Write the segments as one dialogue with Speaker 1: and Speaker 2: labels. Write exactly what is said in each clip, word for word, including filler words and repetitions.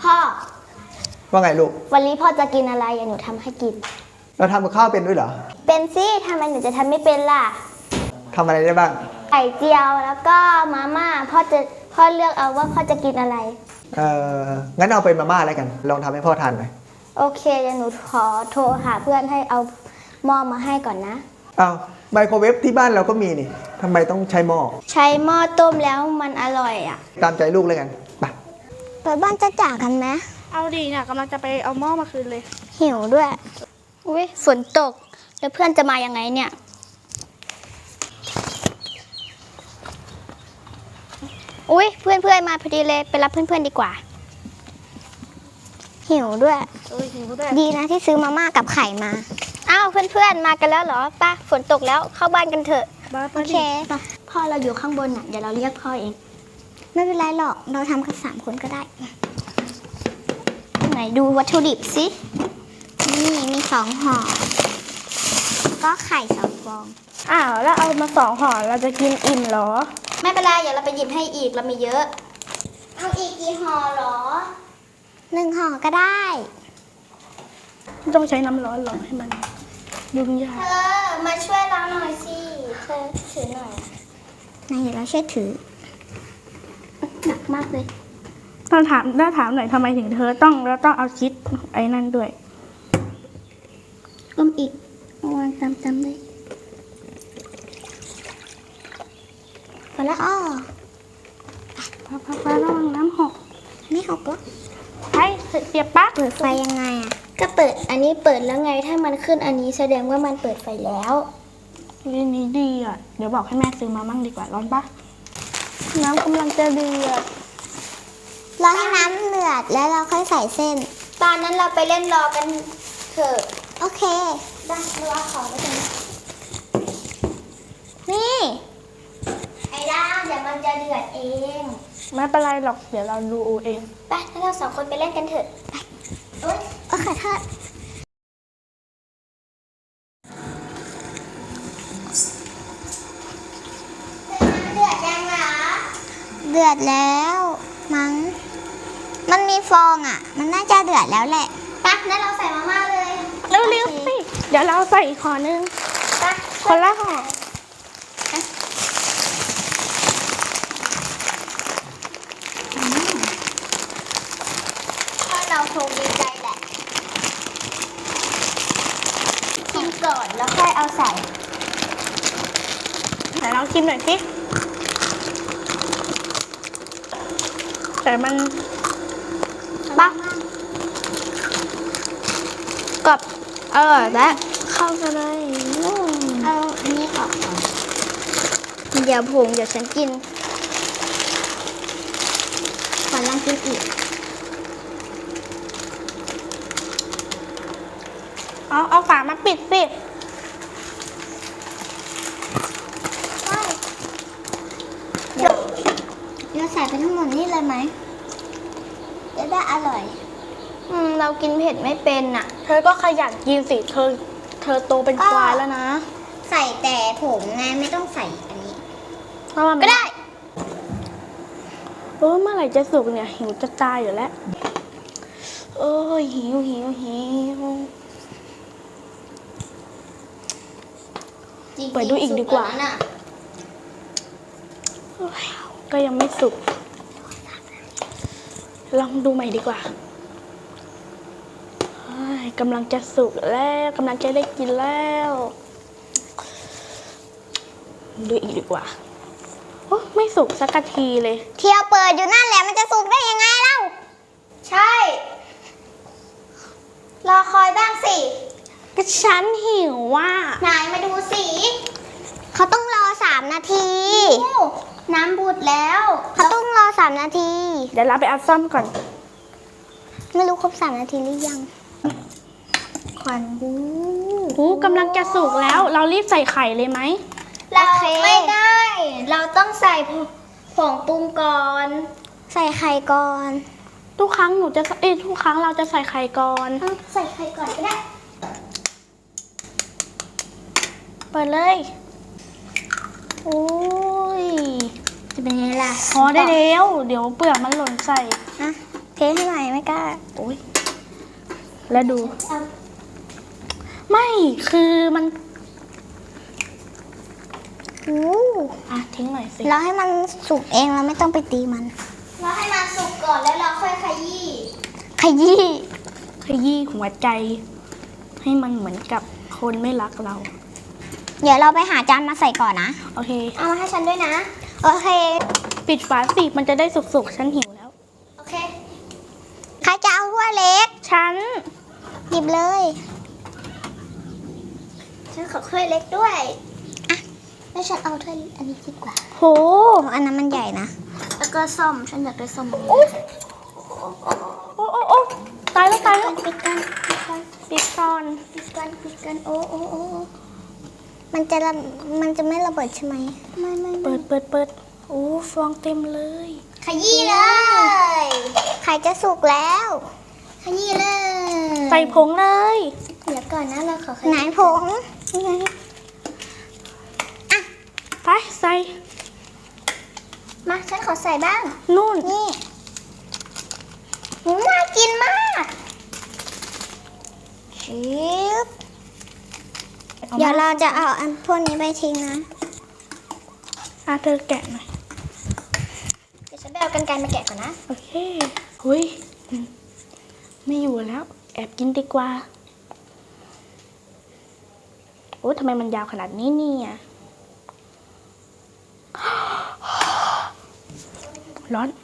Speaker 1: พ่อ
Speaker 2: ว่าไงลูก
Speaker 1: วันนี้พ่อจะกินอะไรหนูทำให้กิน
Speaker 2: เราทำกับข้าวเป็นด้วยเหรอ
Speaker 1: เป็นสิทำไมหนูจะทำไม่เป็นล่ะ
Speaker 2: ทำอะไรได้บ้าง
Speaker 1: ไข่เจียวแล้วก็มาม่าพ่อจะพ่อเลือกเอาว่าพ่อจะกินอะไร
Speaker 2: เอองั้นเอาเป็นมาม่าแล้วกันลองทำให้พ่อทานหน่อย
Speaker 1: โอเคเดี๋ยวหนูขอโทรหาเพื่อนให้เอาหม้อมาให้ก่อนนะ
Speaker 2: อ้าวไมโครเวฟที่บ้านเราก็มีนี่ทำไมต้องใช้หม้อ
Speaker 1: ใช้หม้อต้มแล้วมันอร่อยอ่ะ
Speaker 2: ตามใจลูกเลยกันไป
Speaker 1: ไปบ้านจะจ่ากันไหม
Speaker 3: เอาดีเนี่ยกำลังจะไปเอาหม้อมาคืนเลย
Speaker 1: หิวด้วยอุ้ยฝนตกแล้วเพื่อนจะมายังไงเนี่ยอุ้ยเพื่อนเพื่อนมาพอดีเลยไปรับเพื่อนเพื่อนดีกว่าหิวด้วย
Speaker 3: เออหิวด้วย
Speaker 1: ดีนะที่ซื้อมาม่ากับไข่มาอ้าวเพื่อนเพื่อนมากันแล้วเหรอป้าฝนตกแล้วเข้าบ้านกันเถอะโอเคพ่อเราอยู่ข้างบนน่ะเดี๋ยวเราเรียกพ่อเองไม่เป็นไรหรอกเราทำกันสามคนก็ได้ไหนดูวัตถุดิบสินี่มีสองห่อก็ไข่สองฟอง
Speaker 3: อ้าวแล้วเอามาสองห่อเราจะกินอิ่มเหรอ
Speaker 1: ไม่เป็นไรเดี๋ยวเราไปหยิบให้อีกเรามีเยอะเอาอีกกี่ห่อหรอหนึ่งห่อก็ได้
Speaker 3: ต้องใช้น้ำร้อนหรอให้มันยุ่งยาก
Speaker 1: เธอมาช่วยเราหน่อยสิเธอถือหน่อยนายเดี๋ยวเราช่วยถือหนักมากเลย
Speaker 3: ต้องถามได้ถามหน่อยทำไมถึงเธอต้องเราต้องเอาชิดไอ้นั่นด้วย
Speaker 1: ก้มอีกวางตามๆเลยพอแล้วอ้อ
Speaker 3: พอพอพอระวังน้ำหก
Speaker 1: ไม่หกหรอ
Speaker 3: ไอ้เสียบปั๊บ
Speaker 1: เปิดไฟยังไงอ่ะก็เปิดอันนี้เปิดแล้วไงถ้ามันขึ้นอันนี้แสดงว่ามันเปิดไฟแล้ว
Speaker 3: วิธีนี้ดีอ่ะเดี๋ยวบอกให้แม่ซื้อมามั่งดีกว่าร้อนปะน้ำกำลังจะเดือด
Speaker 1: รอให้น้ำเดือดแล้วเราค่อยใส่เส้นตอนนั้นเราไปเล่นรอกันเถอะโอเคได้รอขอไปกันนี่ไอ้ด้าเดี๋ยวมันจะเดือดเอง
Speaker 3: ไม่เป็นไรหรอกเดี๋ยวเราดูเอง
Speaker 1: ไปแล้วเราสองคนไปเล่นกันเถอะไปโอ๊ยโอเคเถอะเดือดยังหรอเดือดแล้วมั้งมันมีฟองอ่ะมันน่าจะเดือดแล้วแหละไปงั้นเราใส่มาม่าเลย
Speaker 3: เร็วๆสิเดี๋ยวเราใส่อีกห่อนึง
Speaker 1: ไป
Speaker 3: คนละห่อ
Speaker 1: พ่อเราคงดีใจแหละชิมก่อนแล้วค่อยเอาใส่
Speaker 3: ไหนลองชิมหน่อยสิแต่มัน
Speaker 1: บ้ากับอร่อยและเข้ากันเลยเอาอันนี้ออกก่อนเดี๋ยวผงเดี๋ยวฉันกินขอลองกินอีก
Speaker 3: เอาเอาฝามาปิดสิ
Speaker 1: เดี๋ยวเราใส่ไปทั้งหมดนี่เลยไหมจะได้อร่อยอืมเรากินเผ็ดไม่เป็นอ่ะ
Speaker 3: เธอก็ขยันกินสิเธอเธอโตเป็นควายแล้วนะ
Speaker 1: ใส่แต่ผงไงไม่ต้องใส่อันนี้
Speaker 3: ก็ได้เออเมื่อไหร่จะสุกเนี่ยหิวจะตายอยู่แล้วเออหิวหิวหิวเปิดดูอีกดีกว่าก็ยังไม่สุกลองดูใหม่ดีกว่ากำลังจะสุกแล้วกำลังจะได้กินแล้วดูอีกดีกว่าโอ้ไม่สุกสักทีเลย
Speaker 1: เที่ยวเปิดอยู่นั่นแหละมันจะสุกได้ยังไงเล่าใช่รอคอยบ้างสิ
Speaker 3: ก็ฉันหิวว่ะ
Speaker 1: ไหนมาดูสิเขาต้องรอสามนาทีน้ำบูดแล้วเขาต้องรอสามนาที
Speaker 3: เดี๋ยวเราไปเอาซ่อมก่อน
Speaker 1: ไม่รู้ครบสามนาทีหรือยังควันดู
Speaker 3: โอ้กำลังจะสุกแล้วเรารีบใส่ไข่เลยไหม
Speaker 1: เราไม่ได้เราต้องใส่ผงปรุงก่อนใส่ไข่ก่อน
Speaker 3: ทุกครั้งหนูจะเอ้ทุกครั้งเราจะใส่ไข่ก่อน
Speaker 1: ใส่ไข่ก่อนก็ได้
Speaker 3: เปิดเลย
Speaker 1: โอ้ยจะเป็นไงล่ะ
Speaker 3: พอได้แล้วเดี๋ยวเปลือกมันหล่นใส่
Speaker 1: อะเทให้หน่อยไม่กล้า
Speaker 3: โอ้ยแล้วดู ไม่คือมัน
Speaker 1: โอ้
Speaker 3: อ่ะทิ้งหน่อยสิ
Speaker 1: เราให้มันสุกเองเราไม่ต้องไปตีมันเราให้มันสุกก่อนแล้วเราค่อยขยี้ขยี้
Speaker 3: ขยี้หัวใจ ให้มันเหมือนกับคนไม่รักเรา
Speaker 1: เดี๋ยวเราไปหาจานมาใส่ก่อนนะ
Speaker 3: โอเค
Speaker 1: เอามาให้ฉันด้วยนะโอเค
Speaker 3: ปิดฝาสิมันจะได้สุกๆ ฉันหิวแล้ว
Speaker 1: โอเคใครจะเอาถ้วยเล็ก
Speaker 3: ฉัน
Speaker 1: หยิบเลยฉันขอถ้วยเล็กด้วยอ่ะแล้วฉันเอาถ้วยอันนี้ดีกว่า
Speaker 3: โห
Speaker 1: อันนั้นมันใหญ่นะแล้วก็ส้มฉันอยากได้ส้ม
Speaker 3: โอ้โอ้โอ้ตายแล้วตายแล้ว
Speaker 1: ปิดกันปิดกัน
Speaker 3: ปิดก่อน
Speaker 1: ปิดกันปิดกันโอ้โอ้โอ้มันจะระมันจะไม่ระเบิดใช่ไหมไม่ไม่
Speaker 3: เปิดเปิดเปิดโอ้ฟองเต็มเลย
Speaker 1: ขยี้เลยไข่จะสุกแล้วขยี้เลย
Speaker 3: ใส่ผงเลย
Speaker 1: เดี๋ยวก่อนนะเราขอไหนผงนี่ไงอ่ะ
Speaker 3: ไปใส่
Speaker 1: มาฉันขอใส่บ้าง
Speaker 3: นู่น
Speaker 1: นี่หืมน่ากินมากชิบเดี๋ยวเราจะเอาอันพวกนี้ไปทิ้งนะ
Speaker 3: อ่ะเธอแกะหน่อย
Speaker 1: เดี๋ยวฉันไปเอากรรไกรมาแกะก่อนนะ
Speaker 3: โอเคหุยไม่อยู่แล้ว แอบกินดีกว่า โอ้ทำไมมันยาวขนาดนี้เนี่ย ร้อน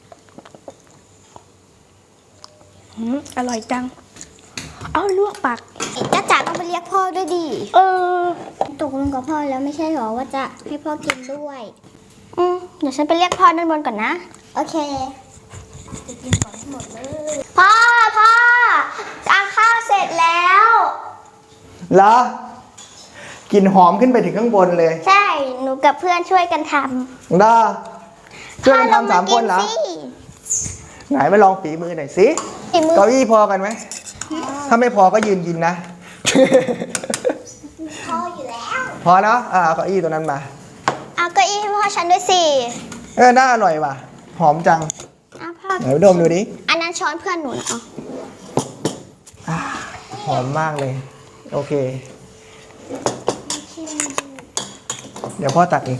Speaker 3: อืมอร่อยจัง เอาลวกปาก
Speaker 1: จ้าจ๋าต้องไปเรียกพ่อด้วยดิ
Speaker 3: เออ
Speaker 1: ตกลงกับพ่อแล้วไม่ใช่หรอว่าจะให้พ่อกินด้วย อืมเดี๋ยวฉันไปเรียกพ่อด้านบนก่อนนะ โอเคจะกินก่อนให้หมดเลย พ่อพ่อจานข้าวเสร็จแล้ว
Speaker 2: เหรอกลิ่นหอมขึ้นไปถึงข้างบนเลย
Speaker 1: ใช่ หนูกับเพื่อนช่วยกันทำ
Speaker 2: เหรอช่วยกันทำสามคนเหรอ
Speaker 1: พ่อลงมากินสิ
Speaker 2: ไหนมาลองฝีมือหน่อยสิ
Speaker 1: ฝีมือ
Speaker 2: เก้าอี้พอกันไหม ถ้าไม่พอก็ยืนกินนะ
Speaker 1: พ่ออยู่แล้ว
Speaker 2: พอเนาะอ่าเอาเก้าอี้ตัวนั้นมา
Speaker 1: เอาเก้าอี้ให้พ่อฉันด้วยสิ
Speaker 2: เออน่าอร่อยว่ะ หอมจัง
Speaker 1: เอาพ่อ
Speaker 2: ไหนไปดมดูดิ
Speaker 1: อันนั้นช้อนเพื่อนหนูนะเอา
Speaker 2: อ่าหอมมากเลย โอเค เดี๋ยวพ่อตักเอง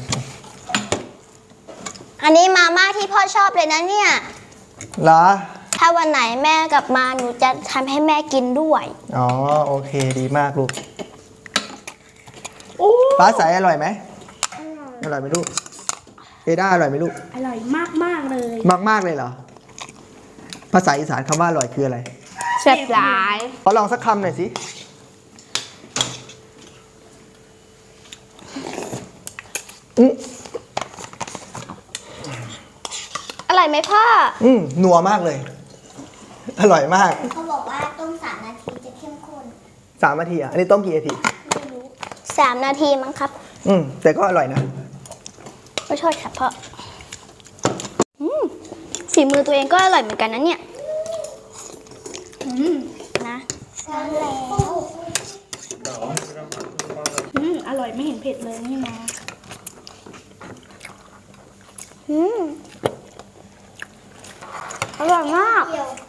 Speaker 1: อันนี้มาม่าที่พ่อชอบเลยนะเนี่ย
Speaker 2: เหรอ
Speaker 1: ถ้าวันไหนแม่กลับมาหนูจะทำให้แม่กินด้วย
Speaker 2: อ๋อ โอเค ดีมากลูก
Speaker 3: โอ้
Speaker 2: ฟ้าใสอร่อยไหม อร่อยไหมลูก เอด้าอร่อยไหมลูก
Speaker 3: อร่อยมากมากๆเลย
Speaker 2: มากมากๆเลยเหรอ ภาษาอีสานคำว่าอร่อยคืออะไร
Speaker 3: แซ่บหลาย
Speaker 2: ขอลองสักคำหน่อยสิ อืม
Speaker 1: อร่อยไหมพ่อ
Speaker 2: อืมนัวมากเลย อร่อยมาก
Speaker 1: เขาบอกว่าต้มสามนาทีจะเข้มข้น
Speaker 2: สามนาทีอ่ะ อันนี้ต้มกี่นาที
Speaker 1: สามนาทีมั้งครับ
Speaker 2: อืม แต่ก็อร่อยนะ
Speaker 1: ขอโทษครับพ่ออืมฝีมือตัวเองก็อร่อยเหมือนกันนะเนี่ย
Speaker 3: อืม
Speaker 1: นะ
Speaker 3: อืมอร่อยไม่เห็นเผ็ดเลยนี่นะ
Speaker 1: อืมอร่อยมาก
Speaker 3: อ